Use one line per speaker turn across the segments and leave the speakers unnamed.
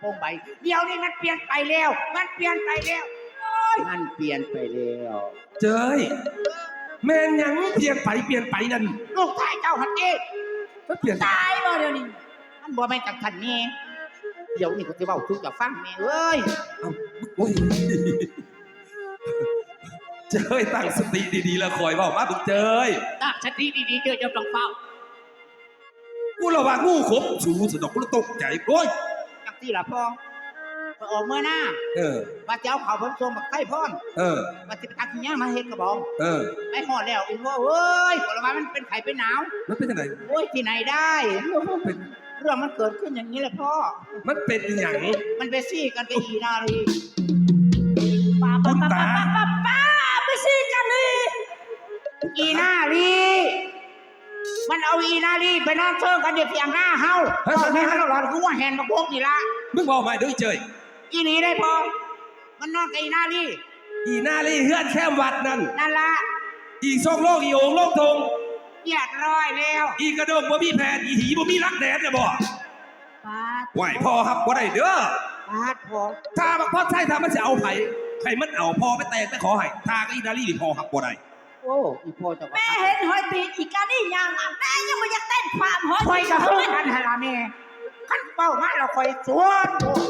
งใบเดี๋ยวนี้มันเปลี่ยนไปแล้วมันเปลี่ยนไปแล้วมันเปลี่ยนไปแล้ว
เจ้ยแม่นยังเปลี่ยนไปนั่น
ลูกชายเจ้าหันเอง
มันเปลี่ยน
ตายบ่เดี๋ยวนี้มันบ่แม่นจากท่านนี่เดี๋ยวนี้ก็สิเว้าทุกจะฟังแม่เอ้ย
โอ้ยเจ้ยตั้งสติดีๆแล้วคอยเว้ามาบึกเจ้ย
ตั้งสติดีๆเจ้าจะต้องเฝ้า
กูระว่างูขบสูสะดอกกูตกใจโอ้ย
จังซี่ล่ะพ่อออกเมื่อหน้าว่าจะเอาข้าวผมส่งบักไข่พร้อมว่าสิไปตักขี้ย่ามาเฮ็ดกระบองไปฮอดแล้วอีพ่อเอ้ยผลไม้มันเป็นไข้เป็นหนาว
มันเป็นจังได๋
โอ้ยที่ไหนได้เรื่องมันเกิดขึ้นอย่างนี้แหละพ่อ
มันเป็นหยัง
มันไปซี่กันกับอีนาลี
ป้า
ไปซี่กันเลยอีนาลีมันเอาอีนาลีไปนอนเชิงกันเดี๋ยวเพียงหน้าเฮาแม่ฮัลโหลหลอนคือว่าแฮนมาพวกนี่ละ
มึงบอกมาด้วยเจย
อีนี่ได้พอมันนอนกับอีนาลี
เฮือนแค่วัดนั่น
ละ
อีซองโลกอีโอ่งโลกทง
เรียบร้อยแล้ว
อีกระดงบ่มีแผนอีหีบ่มีรักแดดเนี่ยบ่ไหวพ่อครับบ่ได้เด้อ
พ่อ
ถ้าบักพ่อใช่ถ้ามันจะเอาไผมันเอาพ่อไปแต่ขอให้ถ้าก็อีนาลีนี่พ่อครับบ่ได้
โอ้อีพ่อจะ
แม่เห็นหอยตีอีกานี่ยังแม่ยังไม่อยากเต้นความหอย
คอยกับเพื่อนกันฮะล่ะแม่ขั้นเป้ามาเราคอยสวน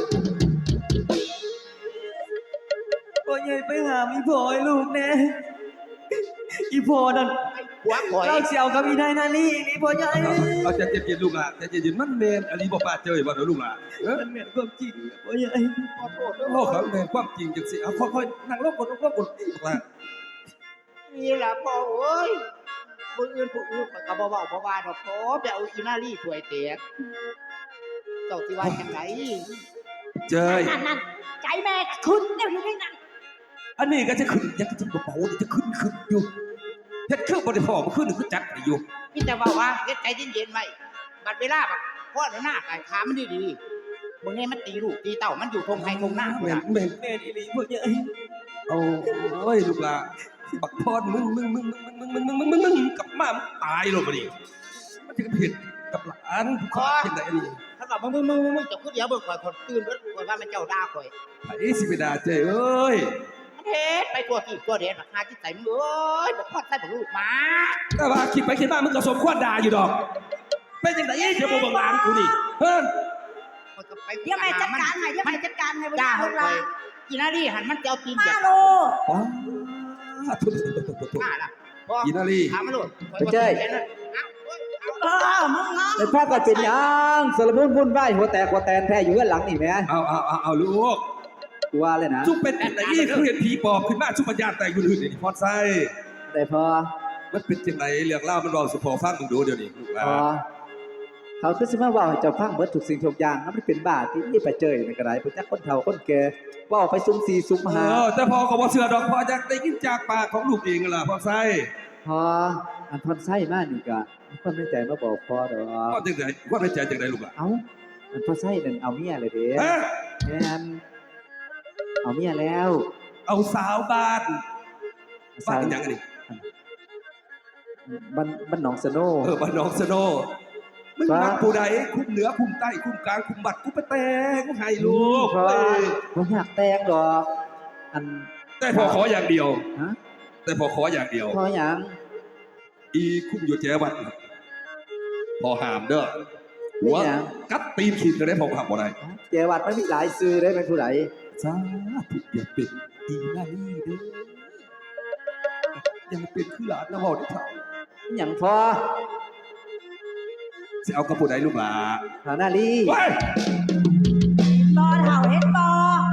พ่อใหญ่ไปหาอีพ่อให้ลูกแน่อีพ่อนั่นเราเสี่ยวกับอีนายนาลีนี่พ่อใหญ่
เอาใจเย็นลูกหล่ะใจเย็นมันเมนอันนี้บ่ป้าเจยบ่เด้อลูกหล่ะ
มันเมนความจริงพ่อใหญ่
ขอโทษ
โลกเขาเมนความจริงจังสิเอาค่อยๆนั่งลงกดล่ะ
นี่แหละพ่อเอ้ยผู้อื่นก็บ่เว้าบ่ว่าดอกพ่อไปเอาอีนาลีถ้วยแตกเจ้าสิว่าจังได
เจย
นั่นใจแม่ขึ้นเดี๋ยวนี้นั่น
อันนี้ก็จะขึ้นยังจะเบาๆจะขึ้นอยู่เฮ็ดเครื่องบ่ได้พอบ่ขึ้นคือจัดอยู่
มีแต่ว่าเฮ็ดใจเย็นๆไว้บัดเวลาบักพ่อหน้าขาขามันดีๆมึงให้มันตีลูกตีเต้ามันอยู่ทงไห้ทงหน้า
แม่ดีๆพ่อใหญ่เอาโอ้ยลูกหล่ะบักพรมึงกลับมาตายลงมาดิมันจะผิดกับหลานผู้ข้าเป็นไหนนี่
ถ้ากับมึงจะพูดเดี๋ยวเบิกข่อยคนตื่นเบิกข่อยว่ามันเจ้าด่าข่อย
ไอ้สิไปด่าเจ้เอ้ย
เฮ็ดไปตัวที่ตัวเด่นราคาที่ใส่มึงเอ้ยบอกพ่อใส่บอกลูกมา
แต่ว่าคิดไปคิดมามึงก็สมควรด่าอยู่ดอกเป็นจังได๋เดี๋ยวบ่เบิ่งหลานกูนี่เฮ้ย
ยังไม่จัดการให้ยังไม่จัดการให้บ่ได้คนละ
อีนาลีหันมันจะเอาตีนเหยียบ
มาล่ะอีนาลี
ถามมาลูก
ไปเจ้ยไอ้พ่อก็เป็นยังสารมุ่นวุ่นวายหัวแตกหัวแตนแท้อยู่ด้านหลังนี่แม่
เอาลูก
กูว่าเลยนะ
จุ๊บเป็นแต่ยี่คือเห็นผีปอบขึ้นมาชุบปัญญาแต่อื่นนี่พอดไส้
แต่พอ
มันเป็นจังไหนเรื่องเล่ามันบอกสุพอฟังมึงดูเดี๋ยวนี้ลูกหลาน
เขาคือสิมาว่าให้เจ้าฟังเบิดทุกสิ่งทุกอย่างมันเป็นบ้าที่นี่ไปเจยในกระไรเป็นจักคนเฒ่าคนแก่ว่าไปซุ่ม4ซุ่ม5
แต่พอก็บ่เชื่อดอกพอจะได้ยินจากปากของลูกเองล่ะพอไส้
พออันพอไส้มานี่ก็ความในใจมาบอกพอดอก
ว่าจังได๋ว่าในใจจังได๋ลูกล่ะ
เอ้าอันพอไส้นั่นเอาเมียเลยเด้แม่นเอาเมียแล้ว
เอาสาวบ้านหยังอันนี้
บ้านหนองสโน
บ้านหนองสโนมึงมักผู้ใดคุมเหนือคุมใต้คุมกลางคุมบัดกูไปแต่งให้ลูก
ผมอยากแต่งดอก
แต่พอขออย่างเดียวแต่พอขออย่างเดียว
ขออย่าง
อีคุมอยู่แจวัดพอหามเด้อหัวกัดตีนขีดจะได้พอหามบ่ได้
แจวัดไม่มีหลายซื้อได้เป็นผู้ใด
สาธุอย่าเป็นอีนาลีเด้ออย่าเป็นคือหลานนะบอกได้เถ่า
อย่างพอ
จะเอากระปุกไหนลูกหลา
หานาลี
บอเห่าเฮ็ดบอ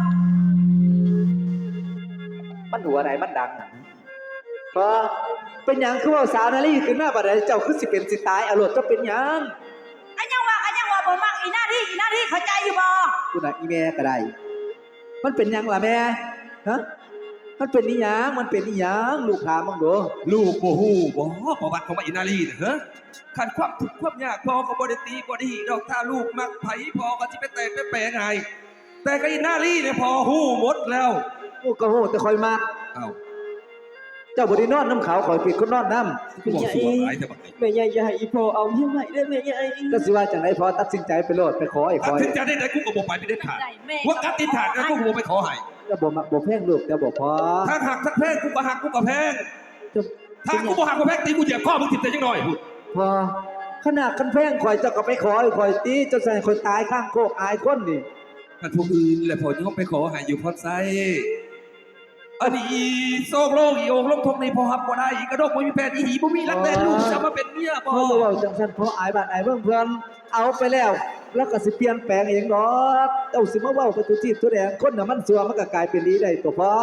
มันหัวไหนมันดังพอเป็นอย่างคือว่าสาวนาลีขึ้นมาบัดใดเจ้าคือสิเป็นสิตายอรรถจะเป็นอย่าง
อันยังว่าบ่มักอีนาลีเข้าใจอยู่บ่
กูน่ะอีแม่ก็ได้มันเป็นอย่างล่ะแม่ฮะมันเป็นนิยังมันเป็นนิยังลูกถามมึงดู
ลูกโอ้โหบ่ประวัติของอีนาลีเหรอขันความทุกข์ความยากพอก็บ่ได้ตีบ่ได้หีดอกถ้าลูกมักไผพอก็สิไปแต่งไปแปลงให้แต่ก็อีนาลีเนี่ยพอฮู้หมดแล้ว
กูก็ฮู้แต่คอยมัก
เอ้า
เจ้าบ่ได้นอนน้ำเขาข่อยเป็นคนนอนน้
กูบอกสิว่าหลายแต่บักนี้
แม่ใหญ่อย่าให้อีพ่อเอาเมียใหม่ได้แม่ใหญ่
ำก็สิว่าจังไดพอตัดสินใจไปโลดไปขอไอ้ค
ตัด
อย
สินใจได้ไหนกูก็บอกไปไม่ได้ขาดว่ากัดติดขาดกันกูก็บอกไปขอให้
ก็บ่มักบ่แพงลูกแต่บ่พอ
ถ้าหักทักแพงกูก็หักกูก็แพง
จะ
ถ้ากูบ่หักกูแพงตีกูเหยียบข้อมึงติดแต่ยังน้อยพูด
พอขนาดคันแพงข่อยเจ้าก็ไปขอไอ้ข่อยตีจนใส่ข่อยตายข้างโคกอายคนนี่
ถ้าพวกอื่นแหละพอจะไปขอให้อยู่พอดไซอันนี้โซกโลกอีโองลงทงในพอหับบ่ได้อีกระดกบ่มีแฟนอีหีบ่มีรักแฟนลูกจะมาเป็นเมียบ่
เพราะว่าจังซั่นเพราะอายบ้านอายเมืองเพิ่นเอาไปแล้ว แล้วก็สิเปลี่ยนแปลงเองดอกเจ้าสิมาเว้ากับตัวจีบตัวแดงคนน่ะมันซัวมันก็กลายเป็นดีได้ตัวพอ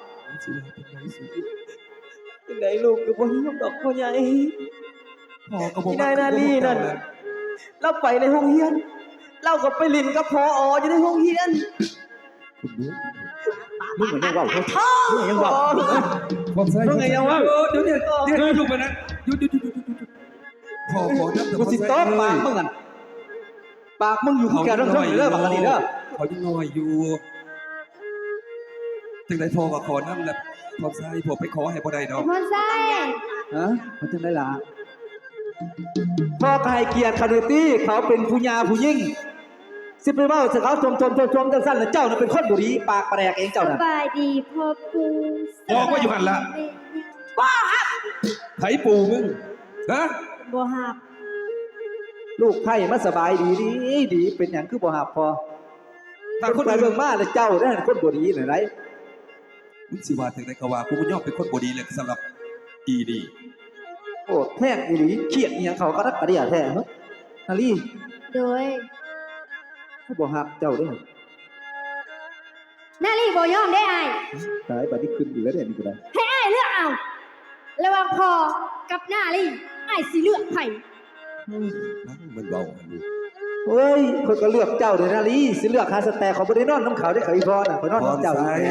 จังไดลูกก็บ่ยอมดอกพ่อใหญ่
พ่อก็บอก
อีนายนาลีนั่นเราไปในห้องเรียน เราก็ไปเลินกับพออยู่ในห้องเรียน
มึงเหมือนยังเว้าเขามึงยังเว้า
พอดไซ
มึงไงยังวะ
เดี๋ยวอยู่ไปนะหยุดพ่อขอนับแต่
กูสิตบปากมึงนั่นปากมึงอยู่คือแกเรื่องเด้อบักอันนี้เด้อ
เขายังน้อยอยู่จังได๋พ่อก็ขอนับแหละพอดไซพ่อไปขอให้บ่ได้ดอก
พอนไส้
ฮะมันจังได๋ล่ะพ่อก็ให้เกียรติเขาด้วยติเขาเป็นผู้หญิงผู้หญิงสิไปเว้าสิเขาชมจังซั่นแล้วเจ้าน่ะเป็นคนบ่ดีปากแปลกเองเจ้า
ส
น่ะ
บายดีพ่อปู
บอกว่าอยู่หั่นล่ะไผปู่มึงฮะ
บ่หับ
ลูกไผ่มาสบายดีดีเป็นหยังคือบ่ฮับพอ
ถ้า
ค
คน น
ไป
อื่น
เบิ่งมาแล้วเจ้าเด้อคนบ่ดีน่ะไร
มึงสิว่าจังได๋ก็ว่ากูบ่ยอมเป็นคนบ่ดีเลยสำหรับอีดี
โอ้แท้งอีหลีเครียดอีหยังเขาก็รักกระเดียแท้เฮ้ยนาลี
โดย
เขาบ่ฮับเจ้าเด้อ
นาลีบ่ยอมได้อ้าย
ตายบัดนี้ขึ้นอยู่แล้วเนี่ยนี่ก็ได้
ให้อ้ายเลือกเอาระหว่างพ่อกับนาลีอ้ายสิเลือกไผ
นั่นมันเว้าอันนี้
เฮ้ยคนก็เลือกเจ้าเด้อนาลีสิเลือกหาสแตกเขาบ่ได้นอนน้ำเขาได้เขาอีพอน่ะเขานอนน้ำเจ้าอยู่แท้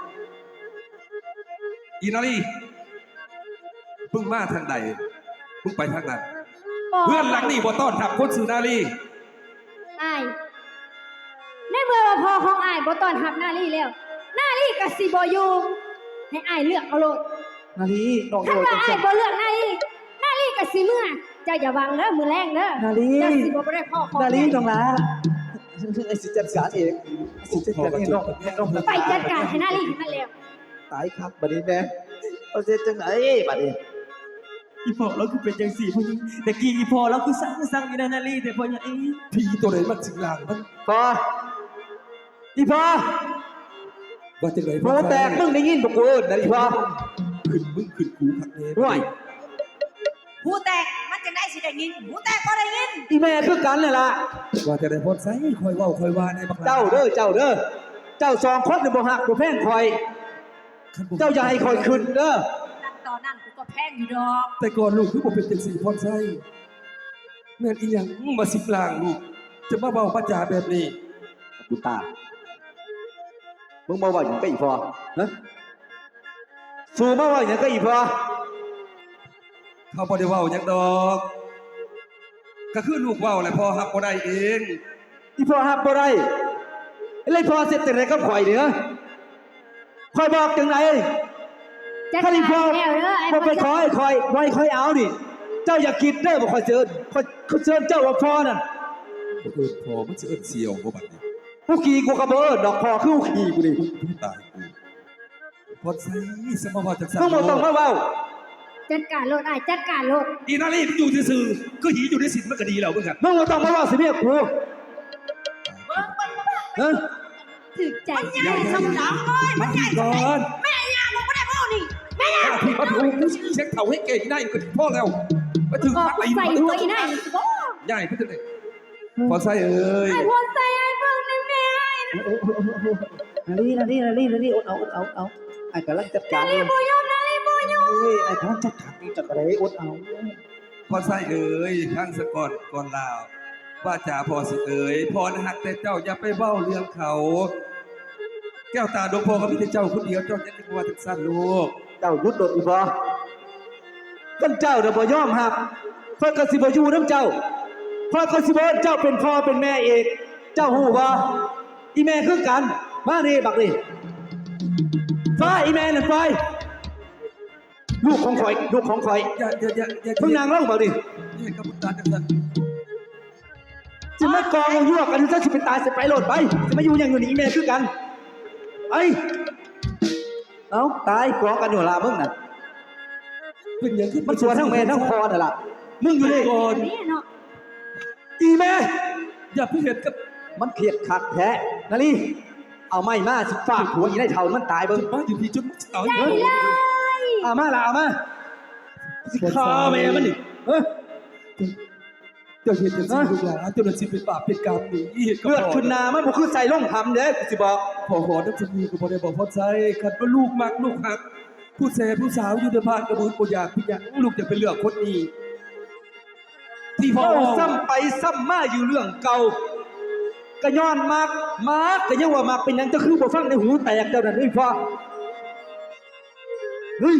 อีนาลีมึงมาทางใดมึงไปทางนั้น
บ่
เพื่อนหลังนี่บ่ต้อนรับคนสื่อนาลี
อ้ายในเมื่อว่าพ่อของอ้ายบ่ต้อนรับนาลีแล้วนาลีก็สิบ่อยู่ให้อ้ายเลือกเอาโลด
นาลีน้อง
ถ้า
โดย
ว่า
จัง
อ้า
ซั่
ย
น
บ่เลือกนาลีก็สิเมื่อเจ้าอย่าหวังเด้อมื้อแรงเด้อ
นาลี
เจ้าสิบ่ได้พ่อของ
นาลี
แม่
น้องลาไอ้สิจัดการเองไอ้สิจัดการเองน้อง
ไปจัดการให้นาลีนั่นแล้ว
ตายครับบัดนี้แม่เอาเสร็จจังไหนบัดนี้
อีพ่อเราคือเป็นจังสี่พ่อใหญ่แต่กี้อีพ่อเราคือสั่งอีนายนาลีแต่พ่อใหญ่
ผีตัวไหนมันสิงลางมัน
พออีพอ
ว่าจังได๋
โปแตกมึงได้ยินบ่กูเอิ้นนะอีพอ
ขึ้นมึงขึ้นกูคักแน่
ห่วย
หูแตกมันจะได้สิได้ยินหูแตกก็ได้ยิน
อีแม่คือกันเลยล่ะ
ว่าจะได้พอดไซคอยเว้าคอยว่าในบัก
เจ้าเด้อเจ้าเด้อเจ้าสองคนนี่บ่ฮักบ่แพงคอย เจ้าอย่าให้คอยขึ้นเด้อ
ตั้งตอนนั้นกูก็แพงอยู่ดอก
แต่ก่อนลูกคือบ่เป็นจังซี่พอดไซแม่นอีหยังมาสิงลางลูกจะมาเว้าปัญญาแบบนี้
กูตามึงมาว่าหยังกับอีพอฮะสู้มาว่าหยังกับอีพอ
เขาบ่ได้เว้าหยังดอกก็คือลูกเว้าแหละพ่อฮับบ่ได้เอง
อีพอฮับบ่ได้เลยพอเสร็จแต่ไหนกับข่อยเด้อข่อยบอกจังไหน
จัด
ถ้า
การ
อีพอ
แล้วเด้อไอ้
พอไป
พ่อ
คอยไว้คอยเอานี่เจ้าอย่าคิดเด้อบ่ข่อยเชิญข่อยเชิญเจ้าว่าพอนั่น
บ่เอิ้นพ่อมันสิเอิ้นเสี่ยวบ่บัดนี้
ผู้ขี่กูกระเบิดดอกพอคือผู้ขี่กูดิ
ตายกูพอดไซสมาว่าจังซั่น
มึงบ่ต้องมาเว้า
จัดการโลดอ้ายจัดการโลด
อีนาลีอยู่ซื่อๆก็หีอยู่ในศีลมันก็ดีแล้วมึงอะ
มึงบ่ต้องมาเว้าสิเมียกูฮะ
ถึกใจ
ใหญ่สมองเลยมันใหญ่ก่อน
แม่ยามึงไม่ได้พ่อนี่แม่ยา
พี่มาถูกเช็คเข่าให้เก่งได้ก็ถึงพ่อแล้วมาถึง
ก็
พักไหน
ใส่หัวอีนั่นสิบ่
ใหญ่พี่ถึงไหนพอใส่เอ้ย
ไอ้พอใส่ไอ้เบิ่งนี่แม่ไอ้
นาลีเอาไอ้กำลังจัดการ
นาลีบ่ยอมนาลีบ่ยอม
เฮ้ยไอ้กำลังจัดการนี่จัดอะไรอดเอา
พอใส่เอ้ยข้างสะก่อนก่อนลาวว่าจ่าพอสิเอ้ยพอนะฮักแต่เจ้าอย่าไปเบ้าเรื่องเขา แก้วตาดวงพอก็มีแต่เจ้าคนเดียวเจ้าจะนึกว่าจังสั้นลูก
เจ้ายุดโดดอีพอกันเจ้าเดี๋ยวบ่ยอมหักเพื่อก็สิบ่อยู่น้ำเจ้าเพื่อก็สิบ่เจ้าเป็นพ่อเป็นแม่เองเจ้าหูบ่อีแม่คือกันมานี่บักนี่ฟ้าอีแม่นั่นไปลูกของข่อยลูกของข่อย
อย่า
เพิ่งนางเล่ามาดิ
อย่ากับตาจังสัน
จะไม่กองเอายั่วกันจะสิเป็นตายสิไปโหลดไปจะมาอยู่อย่างอยู่นี่แม่คือกันไอ้เอ้าตายกองกันอยู่ละมึงน่ะ
เป็นอย่างที่
มันสวนทั้งแม่ทั้งพอน่ะล่ะมึงอยู่นี่
ก่อน
แม่เนาะ
อีแม่
อย่าเพิ่งเห็นกับ
มันเครียดขัดแท้นาลีเอาไม้มาสิฟาดหัวอีได้เท่ามันตายเบิ่ง
มาอยู่พี่จนเอา
ได้เลย
เอามาละเอามาสิฆ่าแม่มันนี่เอ้ย
เจ้าเห็นจังสิลูกหลานเจ้าหน้าที่เป็นบาปเป็นกรรมนี่เห็นกับ
เลือด
พ่อ
ขึ้นหนามันบ่คือใส่ล่องหำเด้อกูสิบอก
พ่อขอน้ำสมีก็บ่ได้บอกพ่อใจขัดว่าลูกมักลูกหัก ผู้แสผู้สาวอยู่ในบ้านกระบุนบ่อยากพี่อยากลูกจะเป็นเรื่องคนนี้ที่พ่อ
เว้าซ้ำไปซ้ำมาอยู่เรื่องเก่าก็ย้อนมากก็ยังว่ามักเป็นหยังจะคือบ่ฟังในหูแตกเจ้านั่นเอ้ยพ่อเฮ้ย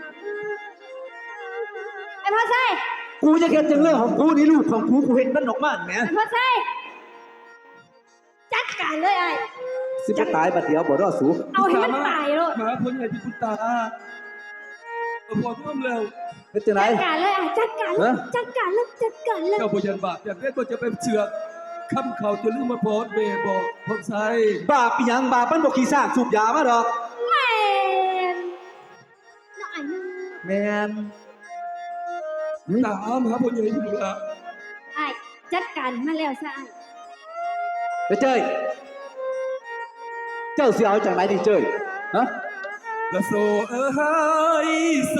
ไอ้พ่อใส่
กูจะเฮ็ดจังเรื่องของกูนี่ลูกของกูเห็นมันออกมาแหม
ไอ้พ่อใส่จัดการเลยไอ้
สิบ่ตายบัดเดียวบ่รอดสู
เอาให้มันตายเลย
หมาพ้นใหญ่ที่คุณตาพอท่วมแล้ว
เป็นจังได
จัดการเลยไอ้จัดการเลยจัดการเลยจัดการเลย
เจ้าพยันบาปอย่างนี้ก็จะเป็นเชือกคำเขาจะลืมมาโพสเบบอกพ่อใจ
บาปอีหยังบาปมันบ่ขี้ซากสูบยามาดอก
แม่นน้องไอ้นึง
แม่น
ตามหาพ่อใหญ่อยู่ละ
ไอ้จัดการมาแล้วซะไอ้
ไปเจ้ยเจ้าสิเอาจังไหนดิเจ้ยฮะ
ละโซยโซ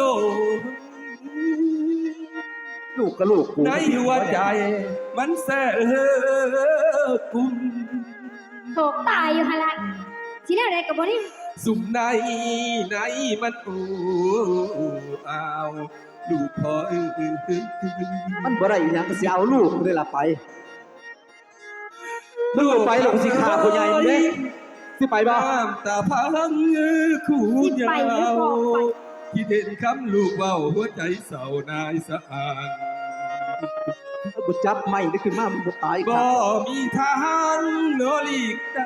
ลูกกับลูกกู
ในหัวใจมันแสบกุม
โศกตายอยู่หั่นล่ะสิแนวใดก็บ่นี่
สุ่มในมันอูอ้าวลูกพ่อ
มันบ่ได้อีหยังก็สิเอาลูกกูได้ล่ะไปมึงบ่ไปหรอกกูสิฆ่าพ่อใหญ่มึงเด้สิไปบ่
น้ำตาพังคู่ยาวที่เด่นคำลูกเบาหัวใจเศร้านายสะอาง
บ่จับไม่ได้ขึ้นมามึงบ่ตาย
บ่
ค่ะ
มีทางโนลีกได้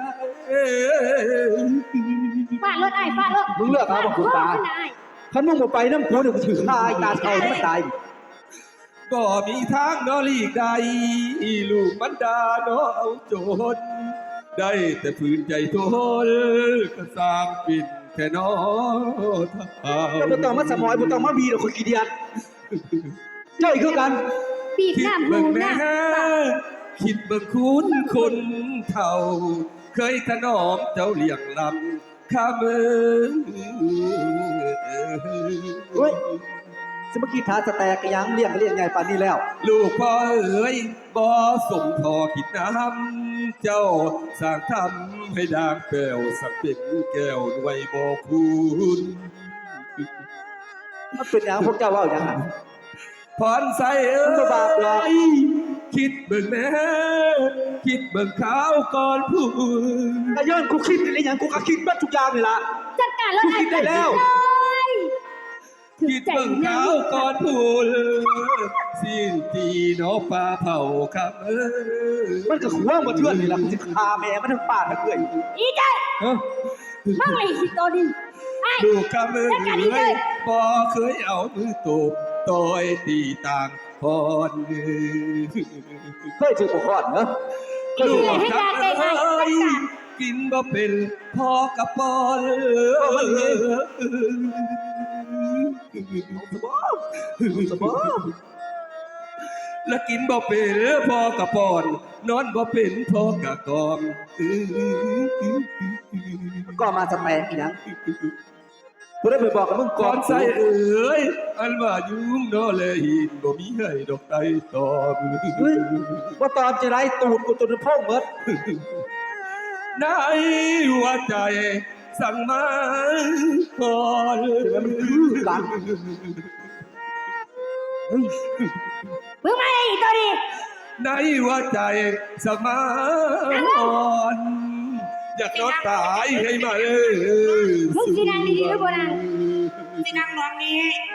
ฟาดรถไอ้ฟาดรถ
มึงเลือกเอาบ่คุณตา
ฟดรถมันน่ะไอ้
คันมึงบ่ไปนำกูเดี๋ยวกูสิฆ่าไอ้ตาเฒ่าให้มันตาย
บ่มีทางโนลีกได้ลูกมันดาโนเอาโจรได้แต่ฝืนใจทนก็สร้างปิ่นแค่นอเท้า
แต่บ่ต้องมาสมอยบ่ต้องมาบีดอกคนขี้เดียดเจ้าอีกคือกัน
ปีก
คิด
น้ำ
เบิ่
หู
งแน่
น้ำตา
คิดเบิ่งคุณคนเท่า เคยถนอมเจ้าเลี้ยงลำข้ามือ
เฮ้ยสมกี้ทาสแตกกะยังเลี้ยงก็เลี้ยงไงปานนี้แล้ว
ลูกพ่อเอ๋ยบ่ส่งพอคิดน้ำเจ้าสร้างทำให้ด่างแป้วสักเป็นแก้วด้วยบ่คุณ
มันเป็นหยังพวกเจ้าเว้าหยังอะ
พรใส่เอ้
มันบ่บาปหรอก
ยคิดเบิ่งแน่คิดเบิ่งข้าวก่อนพูด
ก็ย้อนกูคิดนี่แหละหยังกูก็คิดเบิดทุกอย่างนี่ล่ะ
จัดการรถไอ้
คิดได้แล้ว
เลยถึง
คิด
ใจ
เบิ่ง
นะ
ข้าวก่อนพูดสิ้นตีเนาะปลาเผาครับ
มันก็ขวางบ่เทื่อนนี่ล่ะกูสิฆ่าแม่มันทั้งป่านทั้งเอ้ย
อีใจ
เอ้อ
มึงเลยคิดตัวดิไอ้
ลูกคำเอ้
จัดการอีกเลย ย
บ่เคยเอามือตบต่อยตีต่างพร
เคยถือบ่คอดเนอะ
ลูก
ให้ยาแก้ไข
คำเอ้ย
จัดการ
กินบ่เป็นพ่อกับปอน
สบอ
แล้วกินบ่เป็นพ่อกับปอนนอนบ่เป็นพ่อกับกอม
ก็มาสแตกอีหยังกูได้ไปบอกกับมึงก่
ก่
อ
อน นใส่เอ้ยอันว่ายุ่งนอแลหินบ่มีให้ดอกไตตอบ
เฮ้ยว่าตอนจะไรตูดกูตัวนึงพ่องเมด
ในหัวใจสั่งมาก่อน
มันคือกันเฮ้ย
มึงมาเลยอีตัวดิ
ในหัวใจสั่งมาก่อนอยากนอนตายให้มา
มึงสินางดีๆหรือบ่นาง
สินางนอนนี้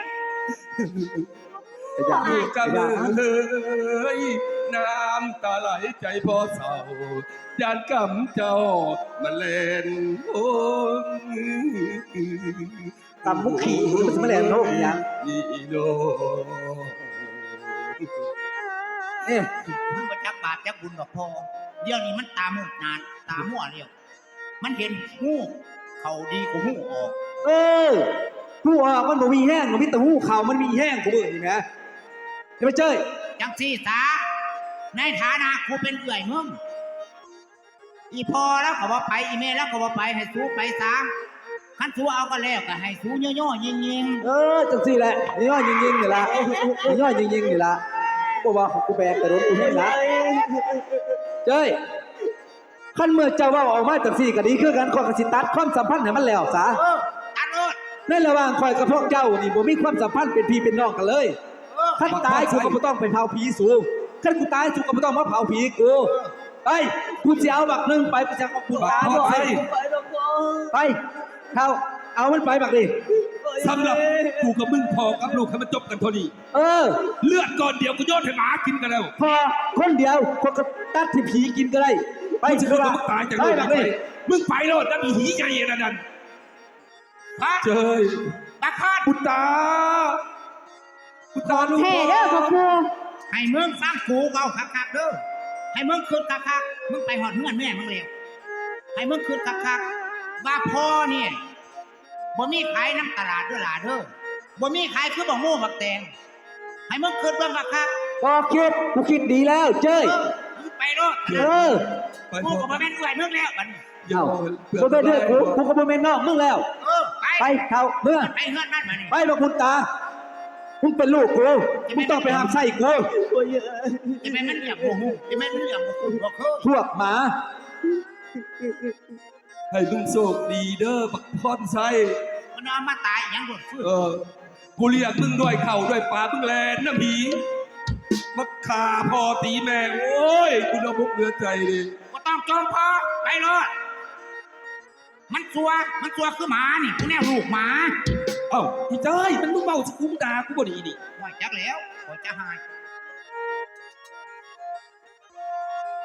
ไอ้ยา
ลูก
ไอ้
กะ
ยา
เลยน้ำตาไหลใจพอเศร้ายานกำเจ้ามันเล่นโอ้
ตำมุกขี่มันจะมาแหลมโลกอีหยัง
นี่โล
เอ๊ะ
มึงมาจักบาปจักบุญกับพ่อเดี๋ยวนี้มันตามุกนานตามั่วเรียวมันเห็นหูเขาดีกว่าหูออก
เออหูออกมันบ่มีแห้งมันมีแต่หูเข่ามันมีแห้งกูเบิ่งนี่แหมเห็นไหมเจ้ย
จังซี่สาในฐานะกูเป็นเอื่อยมึงอีพอแล้วก็บ่ไปอีเมแล้วก็บ่ไปให้สู้ไปซะคันสู้เอาก็แล้วก็ให้สู้ย่อๆยิง
เออจังซี่แหละนี่ย่อยยิงๆนี่ล่ะนี่ย่อยยิงๆนี่ล่ะบ่ว่าของกูแบกกระโดดกูเห็นละเจ้ยคันเมื่อเจ้าเว้าออกมาจังซี่ก็ดีคือกันข้อยก็สิตัดความสัมพันธ์ให้มันแล้วซะ
ตัดโลด
ในระหว่างข่อยกับพวกเจ้านี่บ่มีความสัมพันธ์เป็นพี่เป็นน้องกันเลยคันตายกูก็บ่ต้องไปเผาผีสูคันกูตายกูก็บ่ต้องมาเผาผีกูไปกูสิเอาบักหนึงไปจักกับกูตาบ่
ไป
ไปดอกพ่อ
ไปเอามันไปบักดิ
สำหรับกูกับมึงพอกับลูกให้มันจบกันเท่านี้
เออ
เลือดก่อนเดียวกูโยนให้หมากินกันแล้ว
พอคนเดียวคนก็ตัดที่ผีกินก็ได้ไป
มึง
สิ
จะ
ครับ
มึงตายจาก
ไป
โลก
บัก
นี้
ดิ
มึงไปโลดนั่นอีหีใหญ่นั่น
พระ
เจย
บักพอด
ปุตตาลูก
แท้เด้อพ่อครู
ให้มึงฟังกูเว้าคักๆเด้อให้มึงคืนคักๆมึงไปหอดเฮือนแม่มึงแล้วให้มึงคืนคักๆว่าพ่อเนี่ยบ่มีขายน้ำตลาดเด้อหล่ะเด้อบ่มีขายคือบ่โง่บักแตงให้มึงคืนเบิ่งคัก
พอคิดกูคิดดีแล้วเจ้ย
ๆมึงไปโลด
เออ
ไป
กู
พอ
ก็บ่แม่นเอื่อยมึงแล้วบัดนี้
เดี๋ยว
บ่เป็นเด้อกูก็บ่แม่นน้องมึงแล้ว
ไป
ไปเท่าเมื่อ
ไปเฮือนนั่นมานี่
ไปบักบุญตามึงเป็นลูกกูมึงต้องไปหามไส้กู
พ่อใหญ่
จะแม่นมันเรียกบ่ฮู้จะแม่นมันเรียกบ่คุ้นบ่เคย
พวกหมา
ให้มึงโชคดีเด้อบักพรไซ
มันเอามาตายหยังบ่ฟื้น
กูเรียกมึงด้วยเข่าด้วยปลามึงแลนนะผีมักขาพอตีแม่โอ้ยกูน้ำมุกเหลือใจเลย
บ่ต้องจมพอไปโลดมันซัวคือหมานี่กูแนวลูกหมา
เอ้าพี่เจ้ยมันมึงเมาสิกูมึงด่ากูบ่ดีดิ
ว่าจักแล้วบ่จะหาย